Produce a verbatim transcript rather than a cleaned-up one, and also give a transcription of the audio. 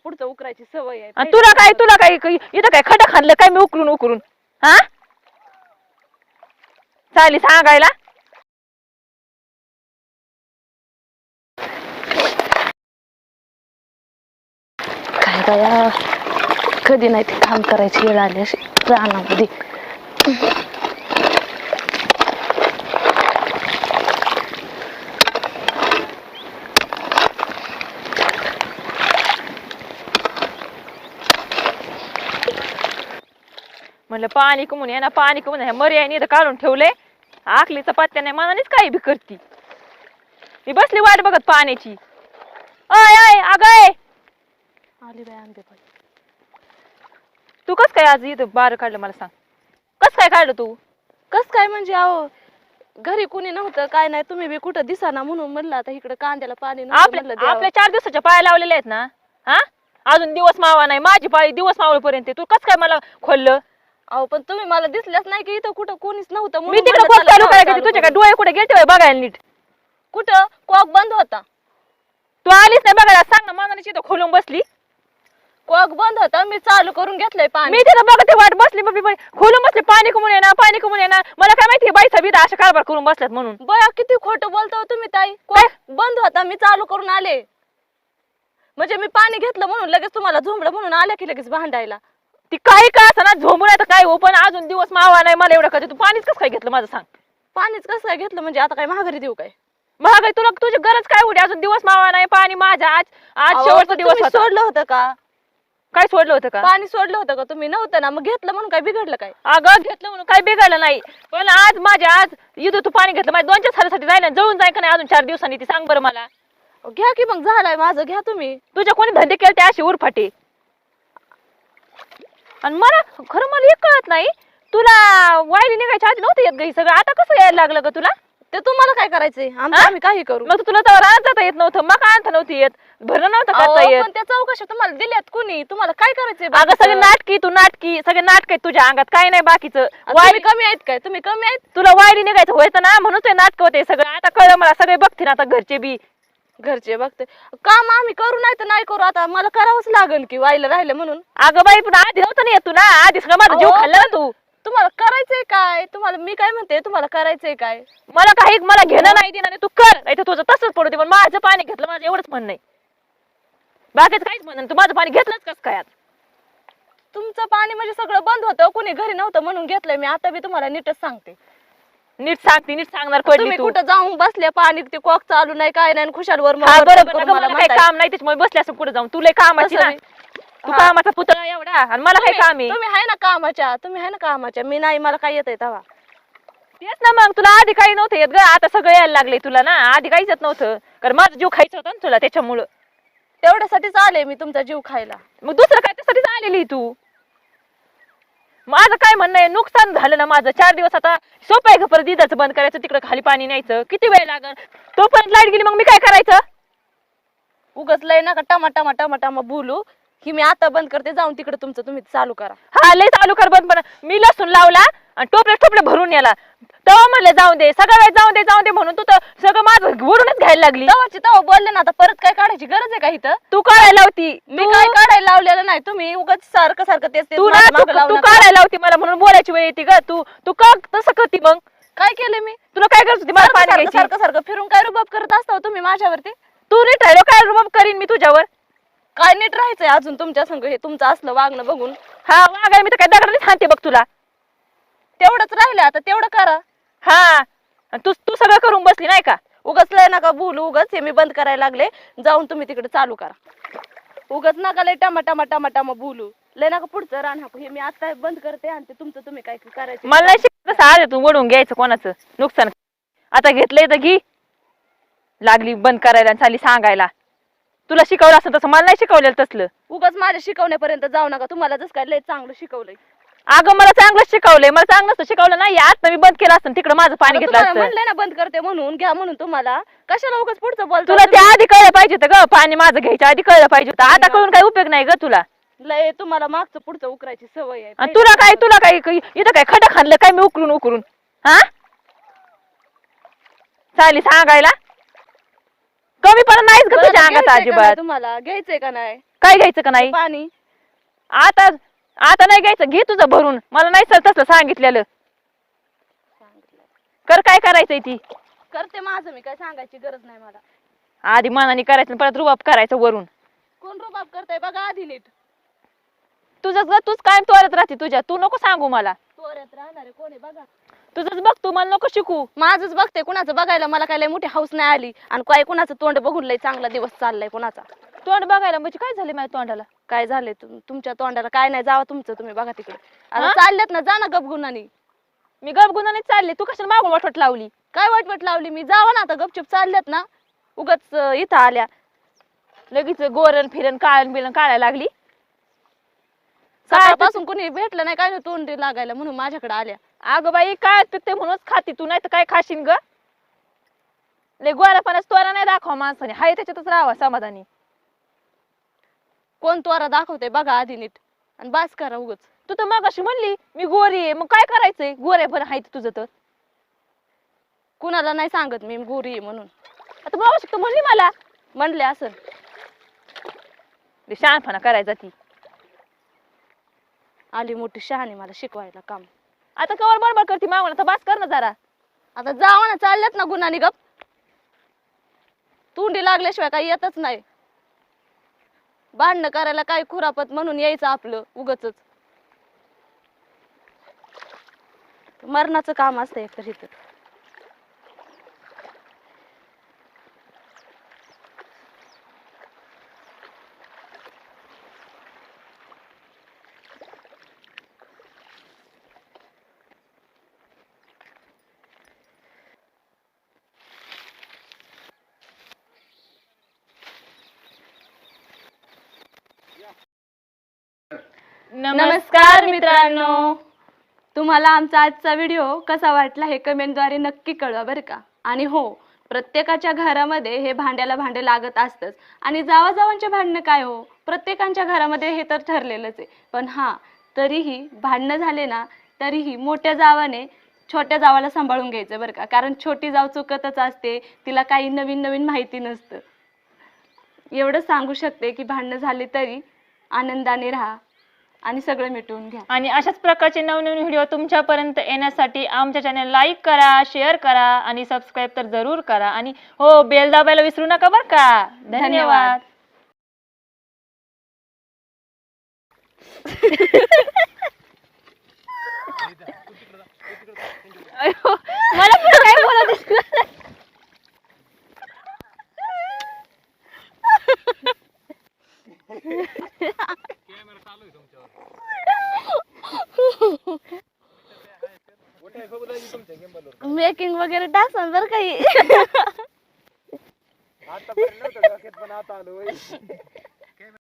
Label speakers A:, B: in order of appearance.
A: पुढचं उकरायची सवय आहे.
B: आणि तुला काय तुला काय इथं काय खडा खाल्लं काय मी उकरून उकरून हा चाली सांगायला.
A: काय बाया कधी नाही ते काम करायची वेळ आली अशी रानामध्ये.
B: म्हणलं पाणी कमून ये ना पाणी कमून ह्या मर्याने इथं काढून ठेवले. आखलीचा पत्त्या नाही मनानेच काही बी करती. मी बसली वाट बघत पाण्याची. अय अय अगय
A: आली बाय आंबे बाई.
B: तू कस काय आज इथं बार काढलं मला सांग. कस काय काढलं तू.
A: कस काय म्हणजे अहो घरी कुणी नव्हतं काय नाही तुम्ही बी कुठं दिसाना म्हणून म्हणलं आता इकडे कांद्याला पाणी नव्हतं म्हणलं
B: आपल्या
A: द्यावं.
B: आपल्या चार दिवसाच्या पाया लावलेल्या आहेत ना हा अजून दिवस मावा नाही माझी पाळी दिवस मावळपर्यंत तू कस काय मला खोललं.
A: अहो पण तुम्ही मला दिसल्याच नाही की इथं कुठं कोणीच नव्हतं
B: मी
A: म्हणून
B: तिकडे
A: म्हणलं
B: कोण
A: चला
B: चालू
A: जाऊ
B: काय
A: चालू
B: तुझ्या
A: करू.
B: काय डोळे कुठे गेलते बघायला नीट.
A: कुठं कॉक बंद होता.
B: तू आलीच नाही बघायला सांग ना मनाने इथं खोलून बसली.
A: कॉक बंद होता मी चालू करून घेतलंय पाणी.
B: मी तिथं बघते वाट बसली मग मी खोलून बसले पाणी कमून येणार पाणी कमून येणार मला काय माहिती बाई सबित अशा कारभार करून बसल्यात म्हणून.
A: बया किती खोटं बोलता तुम्ही ताई. कॉक बंद होता मी चालू करून आले म्हणजे मी पाणी घेतलं म्हणून लगेच तुम्हाला झोंबलं म्हणून आल्या की लगेच भांडायला.
B: ती काही का असं ना झोंबून आता काय हो पण अजून दिवस मावा नाही मला एवढं कधी तू पाणीच कसं काय घेतलं माझं सांग.
A: पाणीच कसं काय घेतलं म्हणजे आता काय महागारी देऊ काय.
B: महागाई तुला तुझी गरज काय होती अजून दिवस मावा नाही पाणी माझा आज आज
A: अहो,
B: शेवटचा
A: पण
B: दिवस
A: तुम्ही
B: होता.
A: सोडलं होतं का
B: काय सोडलं होतं का
A: पाणी सोडलं होतं का तुम्ही नव्हतं ना मग घेतलं म्हणून काय बिघडलं काय.
B: अगं घेतलं म्हणून काय बिघडलं नाही पण आज माझ्या आज इथं तू पाणी घेतलं माझ्या दोनच्या सालासाठी जायला जळून जाय का नाही अजून चार दिवसांनी ती सांग बरं मला.
A: घ्या की मग झालंय माझं घ्या तुम्ही.
B: तुझ्या कोणी धंदे केले ते अशी उरफाटे आणि मला खरं मला एक कळत नाही तुला वायली निघायच्या आधी नव्हतं येत गई सगळं आता कसं यायला लागलं ग तुला.
A: ते तुम्हाला काय करायचंय आमचं आम्ही काही करू.
B: मग तुला तर राहत जाता येत नव्हतं मग काय आणता नव्हती येत भरणं नव्हतं करता
A: अहो,
B: येत.
A: पण त्या चौकशा तुम्हाला दिल्यात कुणी तुम्हाला काय करायचंय
B: अगं
A: बाकीचं?
B: सगळे नाटकी तू नाटकी सगळे नाटक आहेत तुझ्या अंगात काही नाही बाकीचं.
A: आणि
B: वायली
A: तुम्ही कमी आहेत काय तुम्ही कमी आहेत.
B: तुला वायली निघायचं व्हायचं ना म्हणून ते नाटक होते सगळं आता कळलं मला सगळे बघतील आता घरचे बी.
A: घरचे बघते काम आम्ही करू नाही तर नाही करू आता मला करावंच लागेल की वाईला राहिलं म्हणून.
B: अगं बाई पण आधी नव्हतं ना येत तू ना आधी सगळं माझा जीव
A: अहो,
B: खाल्ला ना तू.
A: तुम्हाला करायचंय काय तुम्हाला मी काय म्हणते तुम्हाला करायचंय काय.
B: मला काही मला घेणं नाही देणार तू कर नाही तर तुझं तसंच पडू दे पण माझं पाणी घेतलं माझं एवढंच म्हणणं आहे बाकीचं काहीच म्हणणं तू माझं पाणी घेतलंच कसं काय.
A: तुमचं पाणी म्हणजे सगळं बंद होतं कुणी घरी नव्हतं म्हणून घेतलंय मी आता बी तुम्हाला नीटच सांगते.
B: नीट सांगते नीट सांगणार पडली
A: तुम्ही
B: तू.
A: कुठं जाऊन बसले पाणी ते कॉक चालू नाही काय नाही खुशाल वर
B: हा बरोबर अगं, मला काही काम नाही त्याच्यामुळे बसले असं कुठे जाऊन तुला कामाची ना तू कामाचा पुतळा एवढा आणि मला काही काम आहे.
A: तुम्ही आहे ना कामाच्या तुम्ही आहे ना कामाच्या मी नाही मला काय येतंय तेव्हा.
B: तेच ना मग तुला आधी काही नव्हतं येत ग आता सगळं यायला लागले तुला ना आधी काहीच येत नव्हतं कारण माझा जीव खायचा होता ना तुला त्याच्यामुळं.
A: तेवढ्यासाठीच आले मी तुमचा जीव खायला.
B: मग दुसरं काय त्यासाठीच आलेली तू. माझं काय म्हणणं आहे नुकसान झालं ना माझं चार दिवस आता सोपं आहे का परत इथंच बंद करायचं तिकडे खाली पाणी न्यायचं किती वेळ लागल तोपर्यंत लाईट गेली मग मी काय करायचं.
A: उगच लय नका टमा टमा टमा टमा बोलू ही मी आता बंद करते जाऊन तिकडे तुमचं तुम्ही चालू करा.
B: हा लय चालू कर बंद पण मी लसूण लावला आणि टोपले टोपले भरून याला तेव्हा म्हणलं जाऊ दे सगळं वेळ जाऊ दे जाऊ दे म्हणून तू तर सगळं माझं वरूनच घ्यायला लागली.
A: तवाची तवा बोलले ना आता परत काय काढायची गरज आहे का इथं.
B: तू काढायला लावती
A: मी काय काढायला लावलेलं नाही तुम्ही उगाच सारखं सारखं तेच तेच
B: तू ना
A: माझ्या
B: तू
A: मागं लावू
B: तू
A: नका.
B: काढायला लावती मला म्हणून बोलायची वेळ येते ग तू तू का तसं करती मग
A: काय केलं मी
B: तुला काय करत होती मला
A: सारखं
B: पाणी
A: सारखं
B: घ्यायची
A: सारखं सारखं फिरून काय रुबाब करत असता हो तुम्ही माझ्यावरती.
B: तू नीट राहिलो काय रुबाब करीन मी तुझ्यावर.
A: काय नीट राहायचंय अजून तुमच्या संग हे तुमचं असलं वागणं बघून.
B: हा वागाय मी तर काय दगडाने सांगते बघ तुला.
A: तेवढंच राहिलं आता तेवढं करा.
B: हा आणि तू तू सगळं करून बसली नाही का.
A: उगाच लय नका बोलू उगाच हे मी बंद करायला लागले जाऊन तुम्ही तिकडे चालू करा. उगाच नका लय टमा टमा टमा टमा बोलू लय नका पुढचं रान हाकू हे मी आता बंद करते आणि ते तुमचं तुम्ही काय करायचं.
B: मला नाही शिकत कसं आज तू वडून घ्यायचं कोणाचं नुकसान आता घेतलंय तर घी लागली बंद करायला आणि चाली सांगायला. तुला शिकवलं असं तसं मला नाही शिकवलेलं तसलं.
A: उगाच माझ्या शिकवण्यापर्यंत जाऊ नका तुम्हाला जसं काय लय चांगलं शिकवलंय.
B: अगं मला चांगलं शिकवलंय मला चांगलं शिकवलं नाही आता मी बंद केलं असतं तिकडे माझं पाणी घेतलं असतं.
A: म्हणलंय ना बंद करते म्हणून घ्या म्हणून तुम्हाला कशाला उगाच पुढचं बोलतो.
B: तुला त्या आधी कळलं पाहिजे होतं ग पाणी माझं घ्यायचं आधी कळलं पाहिजे होतं आता कळून काही उपयोग नाही ग तुला.
A: लय तुम्हाला मागचं पुढचं उकरायची सवय आहे.
B: आणि तुला काय तुला काय इथं काय खडा खाल्लं काय मी उकरून उकरून हा चाली सांगायला कमी पण नाहीच ग तुझ्या अंगात अजिबात.
A: तुम्हाला घ्यायचंय का नाही
B: काय घ्यायचं का नाही
A: पाणी
B: आता आता नाही घ्यायचं, घे तुझं भरून. मला नाही सर तसलं सांगितलेलं. कर काय करायचंय ती
A: करते माझं मी, काय सांगायची गरज नाही मला.
B: आधी मनाने करायचं आणि परत रुबाब करायचं वरून.
A: कोण रुबाब करताय बघा आधी नीट.
B: तुझंच ग, तूच कायम तोरत राहते तुझ्या. तू नको सांगू मला.
A: तोऱ्यात राहणारे कोण आहे बघा.
B: तुझंच बघ, तू मला नको शिकू.
A: माझंच बघते, कुणाचं बघायला मला काय लय मोठी हाऊस नाही आली. आणि काय कुणाचं तोंड बघून लय चांगला दिवस चाललाय कुणाचा.
B: तोंड बघायला म्हणजे काय झालं माझ्या तोंडाला?
A: काय झालंय तुम- तुमच्या तोंडाला काय नाही, जावा तुमचं तुम्ही बघा तिकडे. आता
B: हा?
A: चालल्यात ना, जा ना गपगुणानी.
B: मी गपगुणाने चालले, तू कशाला मागून वाटवट लावली?
A: काय वाटवट लावली मी? जावा ना आता, गपचूप चालल्यात ना. उगाच अं, इथं आल्या.
B: लगेच गोरण फिरण काळण बिळण काढायला लागली. काय
A: सकाळपासून कोणी भेटलं नाही काय नाही तोंडी लागायला म्हणून माझ्याकडे आल्या.
B: अगं बाई काय पिकते म्हणूनच खाती तू, नाही तर काय खाशीन ग? लय गोरापणाच तोरा नाही दाखवा माणसाने, हाय त्याच्यातच राहावा समाधानी.
A: कोण तोरा दाखवते बघा आधी नीट, आणि बास करा उगच.
B: तू तर मग अशी म्हणली मी गोरी आहे, मग काय करायचंय? गोऱ्या पण हाय तुझं तर.
A: कुणाला नाही सांगत मी गोरी आहे म्हणून.
B: आता मग अशी तू म्हणली मला
A: म्हणले असं.
B: लय शहाणपणा करायचा ती.
A: आली मोठी शहाणी मला शिकवायला काम.
B: आता कवर बडबड करते मागून, आता बास कर ना जरा.
A: आता जावा ना, चालल्यात ना गुन्हानी गप. तोंडी लागल्याशिवाय काही येतच नाही. भांडणं करायला काय खुरापत म्हणून यायचं आपलं उगच. मरणाचं काम असतं एक तर इथं. नमस्कार मित्रांनो, तुम्हाला आमचा आजचा व्हिडिओ कसा वाटला हे कमेंटद्वारे नक्की कळवा बरं का. आणि हो, प्रत्येकाच्या घरामध्ये हे भांड्याला भांडे लागत असतंच. आणि जावाजावांचे भांडणं काय हो, प्रत्येकाच्या घरामध्ये हे तर ठरलेलंच आहे. पण हां, तरीही भांडणं झाले ना, तरीही मोठ्या जावाने छोट्या जावाला सांभाळून घ्यायचं बरं का. कारण छोटी जाव चुकतच असते, तिला काही नवीन नवीन माहिती नसतं. एवढं सांगू शकते की भांडणं झाले तरी आनंदाने राहा आणि सगळं मिटवून घ्या.
B: आणि अशाच प्रकारचे नवनवीन व्हिडिओ तुमच्यापर्यंत येण्यासाठी आमच्या चॅनल लाईक करा, शेअर करा आणि सबस्क्राईब तर जरूर करा. आणि हो, बेल दाबायला विसरू नका बरं का. धन्यवाद. अयो, मला पण काय बोलत
A: मेकिंग वगैरे टाकसान बरं काही.
C: आतापर्यंत नव्हतं डोक्यात पण आता आलो.